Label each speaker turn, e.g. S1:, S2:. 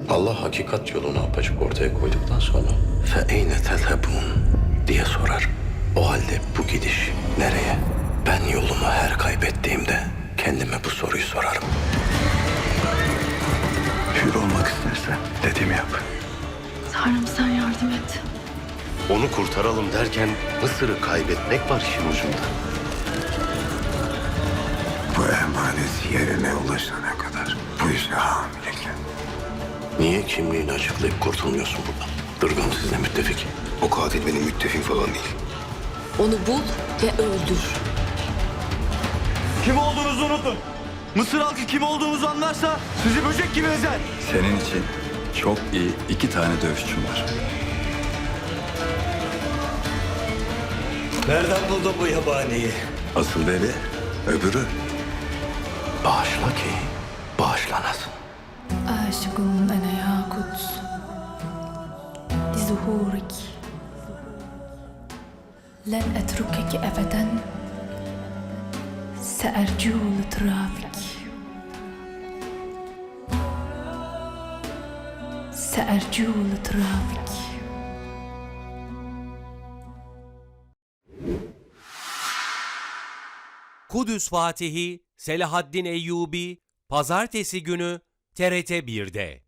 S1: Allah hakikat yolunu apaçık ortaya koyduktan sonra فَاَيْنَ تَذْهَبُونَ diye sorar. O halde bu gidiş nereye? Ben yolumu her kaybettiğimde kendime bu soruyu sorarım.
S2: Hür olmak istersen dediğimi yap.
S3: Tanrım sen yardım et.
S4: Onu kurtaralım derken Mısır'ı kaybetmek var işin ucunda.
S2: Bu emanet yerine ulaşana kadar bu işe hamilelik.
S1: Niye kimliğini açıklayıp kurtulmuyorsun buradan? Dırgım sizle müttefik.
S2: O katil benim müttefik falan değil.
S3: Onu bul ve öldür.
S5: Kim olduğunuzu unutun. Mısır halkı kim olduğumuzu anlarsa sizi böcek gibi ezer.
S6: Senin için çok iyi 2 tane dövüşçüm var.
S5: Nereden buldun bu yabaniyi?
S6: Asıl beni öbürü.
S1: Bağışla ki bağışlanasın.
S3: عاشق أنا يا قدس لظهورك لن أتركك أبدا سأرجو لترابك سأرجو لترابك
S7: Kudüs Fatihi Selahaddin Eyyubi Pazartesi günü TRT 1'de.